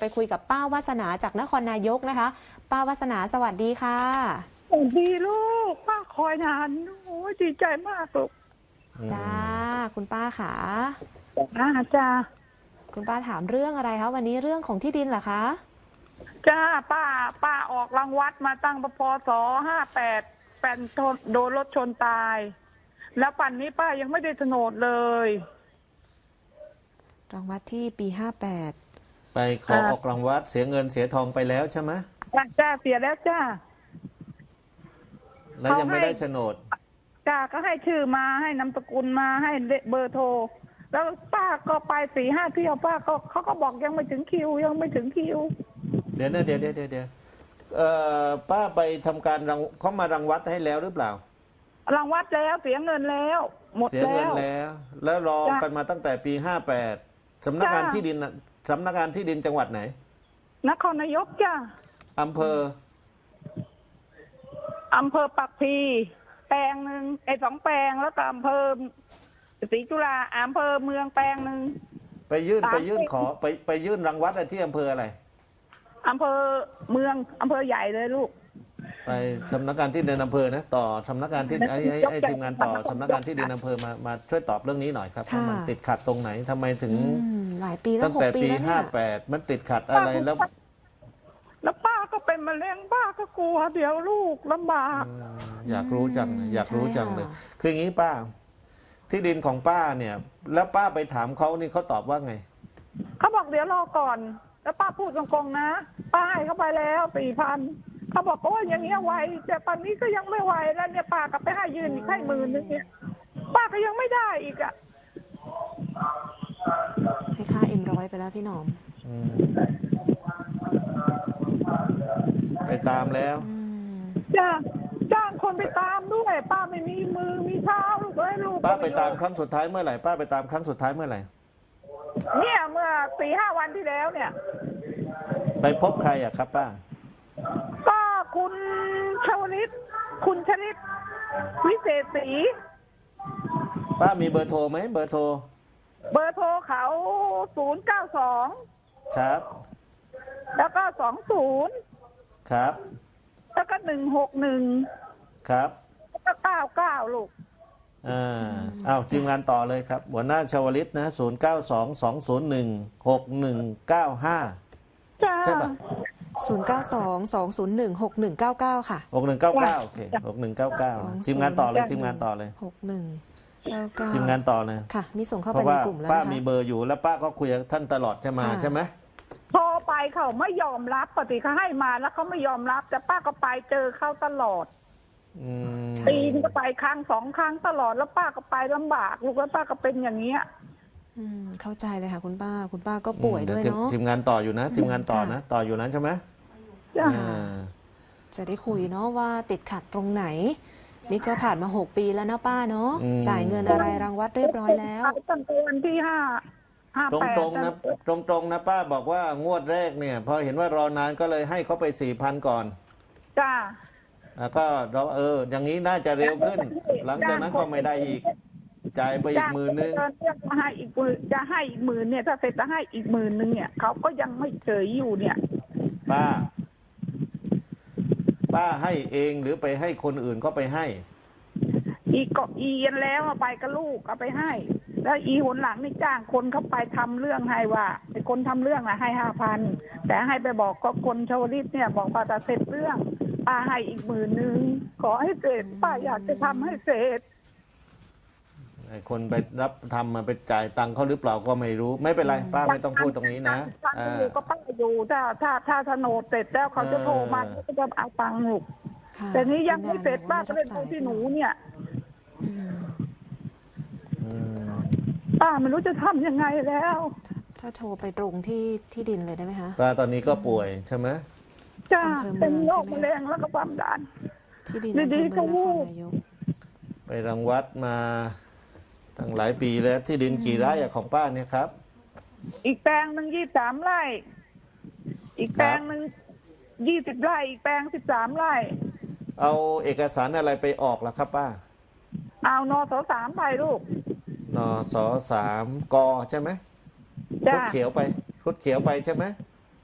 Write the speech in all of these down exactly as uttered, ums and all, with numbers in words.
ไปคุยกับป้าวาสนาจากนครนายกนะคะป้าวาสนาสวัสดีค่ะสวัสดีลูกป้าคอยนานโอ้ยดีใจมากลูกจ้าคุณป้าขาจ้าจ้าคุณป้าถามเรื่องอะไรคะวันนี้เรื่องของที่ดินเหรอคะจ้าป้าป้าออกรางวัดมาตั้งพศห้าแปดแฟนโดนรถชนตายแล้วปัจจุบันนี้ป้ายังไม่ได้โฉนดเลยรางวัดที่ปีห้าแปดไปขอออกรางวัดเสียเงินเสียทองไปแล้วใช่ไหมจ้าจ้าเสียแล้วจ้าแล้วยังไม่ได้โฉนดจ้าก็ให้ชื่อมาให้นามสกุลมาให้เบอร์โทรแล้วป้าก็ไปสี่ห้าเที่ยวป้าก็เขาก็บอกยังไม่ถึงคิวยังไม่ถึงคิวเดี๋ยวนะเดี๋ยวเดี๋ยวเดี๋ยวเดี๋ยวเอ่อป้าไปทำการรังเขามารังวัดให้แล้วหรือเปล่ารังวัดแล้วเสียเงินแล้วหมดแล้วเสียเงินแล้ว แล้วรอกันมาตั้งแต่ปีห้าแปดสำนักงานที่ดินสำนักงานที่ดินจังหวัดไหนนครนายกจ้าอำเภออำเภอปักพีแปลงหนึ่งไอ้สองแปลงแล้วก็อำเภอศรีจุฬาอำเภอเมืองแปลงหนึ่งไปยื่นไปยื่นขอไปไปยื่นรังวัดที่อำเภออะไรอำเภอเมืองอำเภอใหญ่เลยลูกไปสำนักงานที่ดินอำเภอนะต่อสำนักงานที่ไอ้ไอ้ไอ้ทีมงานต่อสำนักงานที่ดินอำเภอมามาช่วยตอบเรื่องนี้หน่อยครับว่ามันติดขัดตรงไหนทำไมถึงหลายปีแล้วตั้งแต่ปีห้าแปดมันติดขัดอะไรแล้วแล้วป้าก็เป็นมะเร็งป้าก็กลัวเดี๋ยวลูกลำบากอยากรู้จังอยากรู้จังเลยคืออย่างนี้ป้าที่ดินของป้าเนี่ยแล้วป้าไปถามเขานี่เขาตอบว่าไงเขาบอกเดี๋ยวรอก่อนแล้วป้าพูดตรงๆนะป้าให้เขาไปแล้วสี่พันเขาบอกว่าอย่างเงี้ยไวแต่ตอนนี้ก็ยังไม่ไวแล้วเนี่ยป้าก็ไปให้ยืนอีกให้หมื่นนึงเนี่ยป้าก็ยังไม่ได้อีกอ่ะให้ค่าเอ็มร้อยไปแล้วพี่หนอมไปตามแล้วจ้าจ้างคนไปตามด้วยป้าไม่มีมือมีเท้าลูกเอ้ยลูกป้าไปตามครั้งสุดท้ายเมื่อไหร่ป้าไปตามครั้งสุดท้ายเมื่อไหร่เนี่ยเมื่อสี่ห้าวันที่แล้วเนี่ยไปพบใครอะครับป้าก็คุณชวลิตคุณชลิตวิเศษศรีป้ามีเบอร์โทรไหมเบอร์โทรเบอร์โทรเขาศูนย์เก้าสองครับแล้วก็สองศูนย์ครับแล้วก็หนึ่งหกหนึ่งครับแล้วก็เก้าเก้าลูกอ่าอ้าวทีมงานต่อเลยครับหัวหน้าชวลิตนะศูนย์เก้าสองสองศูนย์หนึ่งหกหนึ่งเก้าห้าใช่ปะศูนย์เก้าสองสองศูนย์หนึ่งหกหนึ่งเก้าเก้าค่ะหกหนึ่งเก้าเก้าโอเคหกหนึ่งเก้าเก้าทีมงานต่อเลยทีมงานต่อเลยหกหนึ่งเก้าเก้าทีมงานต่อเลยค่ะมีส่งเข้าไปในกลุ่มแล้วป้ามีเบอร์อยู่แล้วป้าก็คุยกับท่านตลอดใช่ไหมใช่ไหมโทรไปเขาไม่ยอมรับปกติเขาให้มาแล้วเขาไม่ยอมรับแต่ป้าก็ไปเจอเขาตลอดปีนึงก็ไปครั้งสองครั้งตลอดแล้วป้าก็ไปลำบากลูกแล้วป้าก็เป็นอย่างเงี้ยอืมเข้าใจเลยค่ะคุณป้าคุณป้าก็ป่วยด้วยเนาะทีมงานต่ออยู่นะทีมงานต่อนะต่ออยู่นั้นใช่ไหมจะได้คุยเนาะว่าติดขัดตรงไหนนี่ก็ผ่านมาหกปีแล้วนะป้าเนาะจ่ายเงินอะไรรางวัดเรียบร้อยแล้วตั้งแต่วันที่ห้าตรงตรงนะตรงตรงนะป้าบอกว่างวดแรกเนี่ยพอเห็นว่ารอนานก็เลยให้เขาไปสี่พันก่อนจ้าแล้วก็เราเอออย่างนี้น่าจะเร็วขึ้นหลังจากนั้นก็ไม่ได้อีกจ่ายไปอีกหมื่นนึงจะให้อีกจะให้อีกหมื่นเนี่ยถ้าเสร็จจะให้อีกหมื่นนึงเนี่ยเขาก็ยังไม่เฉยอยู่เนี่ยป้าป้าให้เองหรือไปให้คนอื่นเขาไปให้อีกก็อีนแล้วไปกับลูกเอาไปให้แล้วอีหนหลังนี่จ้างคนเขาไปทำเรื่องให้ว่าไอ้คนทำเรื่องอะให้ห้าพันแต่ให้ไปบอกก็คนชาวลิตเนี่ยบอกว่าจะเสร็จเรื่องป้าให้อีกหมื่นนึงขอให้เสร็จป้าอยากจะทำให้เสร็จไอ้คนไปรับทำมาไปจ่ายตังค์เขาหรือเปล่าก็ไม่รู้ไม่เป็นไรป้าไม่ต้องพูดตรงนี้นะอ่าก็ป้าอยู่ถ้าถ้าถ้าโฉนดเสร็จแล้วเขาจะโทรมาก็จะเอาตังค์หนูแต่นี้ยังไม่เสร็จป้าก็เลยโทรที่หนูเนี่ยป้าไม่รู้จะทำยังไงแล้วถ้าโทรไปตรงที่ที่ดินเลยได้ไหมคะป้าตอนนี้ก็ป่วยใช่ไหมจ้าเป็นโรคมะเร็งแล้วก็ความดันที่ดินอำเภอเมืองนครนายกไปรังวัดมาตั้งหลายปีแล้วที่ดินกี่ไร่ของป้าเนี่ยครับอีกแปลงหนึ่งยี่สิบสามไร่อีกแปลงหนึ่งยี่สิบไร่อีกแปลงสิบสามไร่เอาเอกสารอะไรไปออกล่ะครับป้าเอานสสามไปลูกนสสามกใช่ไหมรุดเขียวไปรุดเขียวไปใช่ไหม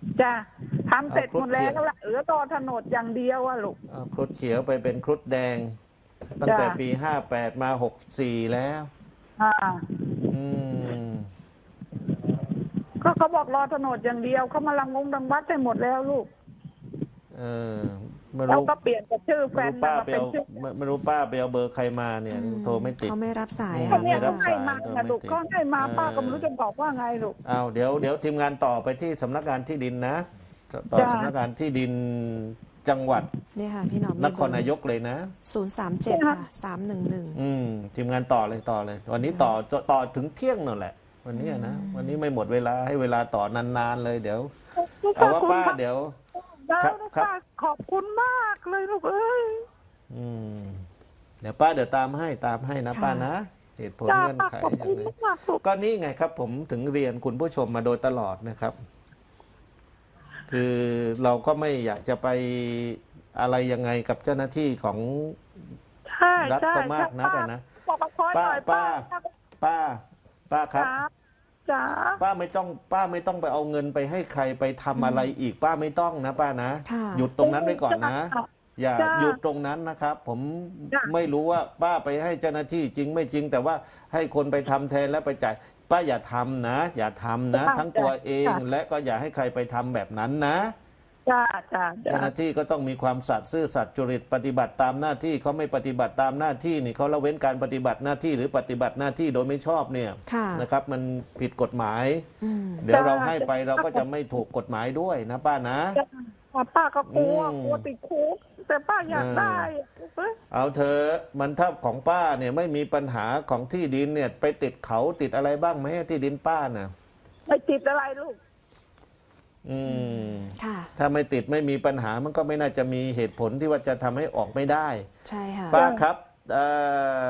จ้ะทำเสร็จเอาครุหมฑดแล้วเขียวละเหลือต่อถนนอย่างเดียวอะลูกเอาครุฑเขียวไปเป็นครุฑแดง ตั้งจ้ะแต่ปีห้าแปดมาหกสี่แล้วอ่าอืมก็เขาบอกรอถนนอย่างเดียวเขามาลังงงดังวัดให้หมดแล้วลูกเออไม่แล้วรู้ก็เปลี่ยนจากชื่อแฟไม่นรู้ป้ามาไปเป็นเอาชื่อไม่ไม่รู้ป้าไปเอาเบอร์ใครมาเนี่ยอืมโทรไม่ติดเขาไม่รับสายอืมเขาค่ะเนี่ยไม่รัเขาบให้สายมาโทรนะไม่ลูกติดเขาให้มาเออป้าก็ไม่รู้จะบอกว่าไงลูกเอาเดี๋ยวเดี๋ยวทีมงานต่อไปที่สำนักงานที่ดินนะ ต่อจ้ะสำนักงานที่ดินจังหวัดเนี่ยค่ะ พี่หนอมนครนายกเลยนะศูนย์สามเจ็ดค่ะสามหนึ่งหนึ่งอืมทีมงานต่อเลยต่อเลย วันนี้ต่อต่อต่อถึงเที่ยงนั่นแหละ วันนี้นะวันนี้ไม่หมดเวลาให้เวลาต่อนานๆเลยเดี๋ยวเอาว่าป้าเดี๋ยวได้ครับลูกครับป้าขอบคุณมากเลยลูกเอ้ยอืมเดี๋ยวป้าเดี๋ยวตามให้ตามให้นะค่ะป้านะ เหตุผลจ้าเงื่อนป้าไขขอบยัคุงณไงมากลูกก็นี่ไงครับ ผมถึงเรียนคุณผู้ชมมาโดยตลอดนะครับ คือเราก็ไม่อยากจะไปอะไรยังไงกับเจ้าหน้าที่ของใช่รัฐใช่ก็มากนักป้อะนะบอกกับคอยหป้าน่อยป้า ป้า ป้าครับจ๋าจ๋าป้าไม่ต้องป้าไม่ต้องไปเอาเงินไปให้ใครไปทำอะไรอีก ป้าไม่ต้องนะป้านะค่ะหยุดตรงนั้นไว้ก่อนนะ อย่าจ้ะหยุดตรงนั้นนะครับ ผมจ้ะไม่รู้ว่าป้าไปให้เจ้าหน้าที่จริงไม่จริง แต่ว่าให้คนไปทำแทนแล้วไปจ่ายป้าอย่าทำนะ อย่าทำนะ ทั้งตัวเอง และก็อย่าให้ใครไปทำแบบนั้นนะจ้าจ้าจ้าเจ้าหน้าที่ก็ต้องมีความสัตย์ซื่อสัตย์จริตปฏิบัติตามหน้าที่เขาไม่ปฏิบัติตามหน้าที่นี่เขาละเว้นการปฏิบัติหน้าที่หรือปฏิบัติหน้าที่โดยไม่ชอบเนี่ยค่ะนะครับ มันผิดกฎหมายอืมเดี๋ยวเราให้ไปเราก็จะไม่ถูกกฎหมายด้วยนะป้านะจ้าป้าก็กลัวอืมกลัวติดคุกแต่ป้าอยากเออได้เอ้ยเอาเธอะมันถ้าของป้าเนี่ยไม่มีปัญหาของที่ดินเนี่ยไปติดเขาติดอะไรบ้างไหมที่ดินป้าน่ะไม่ติดอะไรลูกอืมค่ะถ้าไม่ติดไม่มีปัญหามันก็ไม่น่าจะมีเหตุผลที่ว่าจะทำให้ออกไม่ได้ใช่ค่ะป้าครับเอ่อ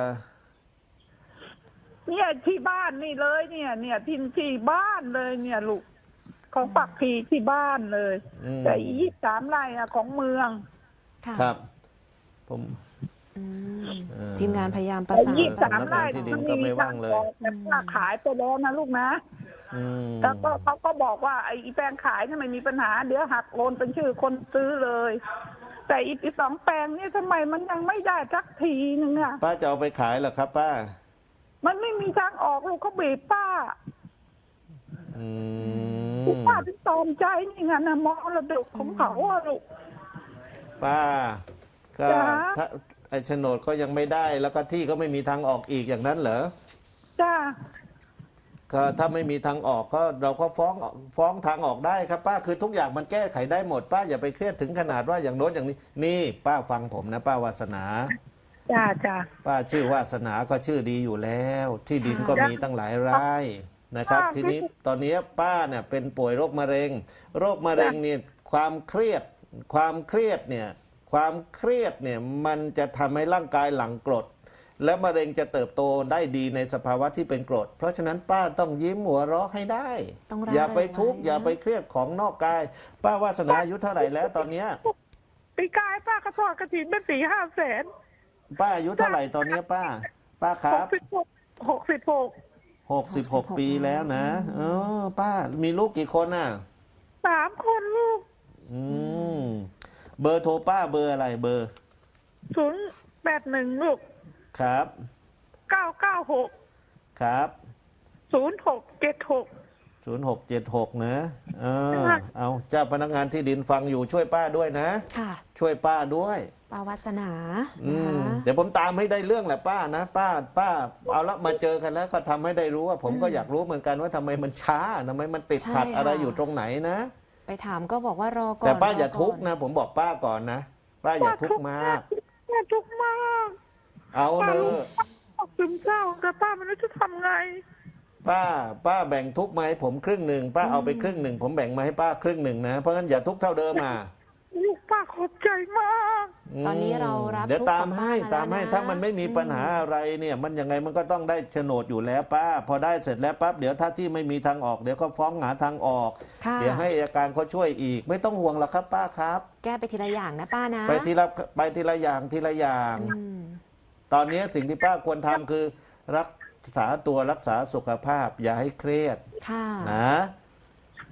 เนี่ยที่บ้านนี่เลยเนี่ย เนี่ยที่ที่บ้านเลยเนี่ยลูกของปักพีที่บ้านเลยอืมแต่ยี่สามไร่อะของเมืองค่ะครับ ผมอืมเออทีมงานพยายามประสานยี่สามสำนักไร่งานที่ดินก็ไม่ว่างเลยแต่ป้าขายไปแล้วนะลูกนะอืมแล้วก็เขาก็บอกว่าไอ้แปลงขายนี่ไม่มีปัญหาเดี๋ยวหักโอนเป็นชื่อคนซื้อเลย แต่อีกสองแปลงนี่ทำไมมันยังไม่ได้สักทีนึงอะป้าจะเอาไปขายเหรอครับ ป้ามันไม่มีทางออกลูกเขาบีบป้าอืมป้าถึงตอมใจนี่ไงนะมรดกของเขาอะลูกป้า ก็จ๊ะถ้าไอ้โฉนดก็ยังไม่ได้ แล้วก็ที่ก็ไม่มีทางออกอีกอย่างนั้นเหรอจ้าก็ถ้าไม่มีทางออกก็เราก็ฟ้องฟ้องทางออกได้ครับ ป้าคือทุกอย่างมันแก้ไขได้หมด ป้าอย่าไปเครียดถึงขนาดว่าอย่างโน้นอย่างนี้ นี่ ป้าฟังผมนะ ป้าวาสนาจ้าจ้าป้าชื่อวาสนาก็ชื่อดีอยู่แล้ว ที่ดินก็มีตั้งหลายไร่นะครับ ทีนี้ตอนนี้ป้าเนี่ยเป็นป่วยโรคมะเร็ง โรคมะเร็งเนี่ยความเครียด ความเครียดเนี่ยความเครียดเนี่ยมันจะทำให้ร่างกายหลั่งกรด และมะเร็งจะเติบโตได้ดีในสภาวะที่เป็นกรด เพราะฉะนั้นป้าต้องยิ้มหัวเราะให้ได้ต้องร่าอย่าไปเริงทุกข์ไว้นะอย่าไปเครียดของนอกกาย ป้าวาสนาอายุเท่าไหร่แล้วตอนเนี้ยปีกายป้ากระทอดกระถินเป็นสี่ห้าแสนป้าอายุเท่าไหร่ตอนเนี้ยป้า ป้าคหรักบสิบหกหกสิบหกหกสิบหกปีแล้วนะเออป้ามีลูกกี่คนน่ะสามคนลูกอืมเบอร์โทรป้าเบอร์อะไรเบอร์ศูนย์แปดหนึ่งลูกครับเก้าเก้าหกครับศูนย์หกเจ็ดหกศูนย์หกเจ็ดหกนะเออเอาเจ้าพนักงานที่ดินฟังอยู่ช่วยป้าด้วยนะค่ะช่วยป้าด้วยป้าวาสนาอืนะมคะเดี๋ยวผมตามให้ได้เรื่องแหละป้านะป้า ป้า เอาละมาเจอกันแล้วก็ทำให้ได้รู้ว่า ผมก็อยากรู้เหมือนกันว่าทำไมมันช้าทำไมมันติดขัดอะไรอยู่ตรงไหนนะไปถามก็บอกว่ารอก่อนแต่ป้าร อย่าก่นทุกข์นะ ผมบอกป้าก่อนนะป้าอย่าทุกข์มากป้าทุกข์มากเอาเนอะป้าซึมเศร้าแต่ป้าไม่รู้จะทำไงป้า ป้าแบ่งทุกข์มาให้ผมครึ่งหนึ่งป้าเอาไปครึ่งหนึ่งผมแบ่งมาให้ป้าครึ่งหนึ่งนะเพราะงั้นอย่าทุกข์เท่าเดิมอ่ะลูกป้าขอบใจมากตอนนี้เรารับเดี๋ยวทุกข์ตามให้ของป้าตามให้แล้วนะถ้ามันไม่มีปัญหาอะไรเนี่ย มันยังไงมันก็ต้องได้โฉนดอยู่แล้วป้า พอได้เสร็จแล้วปั๊บเดี๋ยวถ้าที่ไม่มีทางออกเดี๋ยวก็ฟ้องหาทางออกค่ะเดี๋ยวให้อัยการเขาช่วยอีก ไม่ต้องห่วงหรอกครับป้าครับแก้ไปทีละอย่างนะป้านะไปทีละไปทีละอย่างทีละอย่างอืมตอนนี้สิ่งที่ป้าควรทำคือรักษาตัวรักษาสุขภาพ อย่าให้เครียดค่ะนะ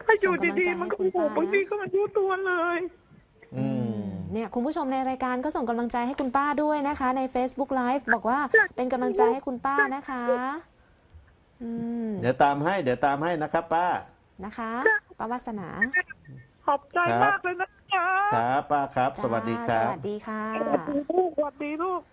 ถ้าอยู่ส่งกำลังดีใจๆมันก็ให้คุณโอ้โหป้านะบางทีก็ไมันรู้ตัวเลยอืมเนี่ยคุณผู้ชมในรายการก็ส่งกำลังใจให้คุณป้าด้วยนะคะ ใน Facebook Live บอกว่าเป็นกำลังใจให้คุณป้านะคะอืมเดี๋ยวตามให้เดี๋ยวตามให้นะครับ ป้านะคะป้าวาสนาขอบใจครับมากเลยนะจ๊ะครับป้าครับ สวัสดีครัสบวัสดีค่ะสวัสดีลูกสวัสดีลูก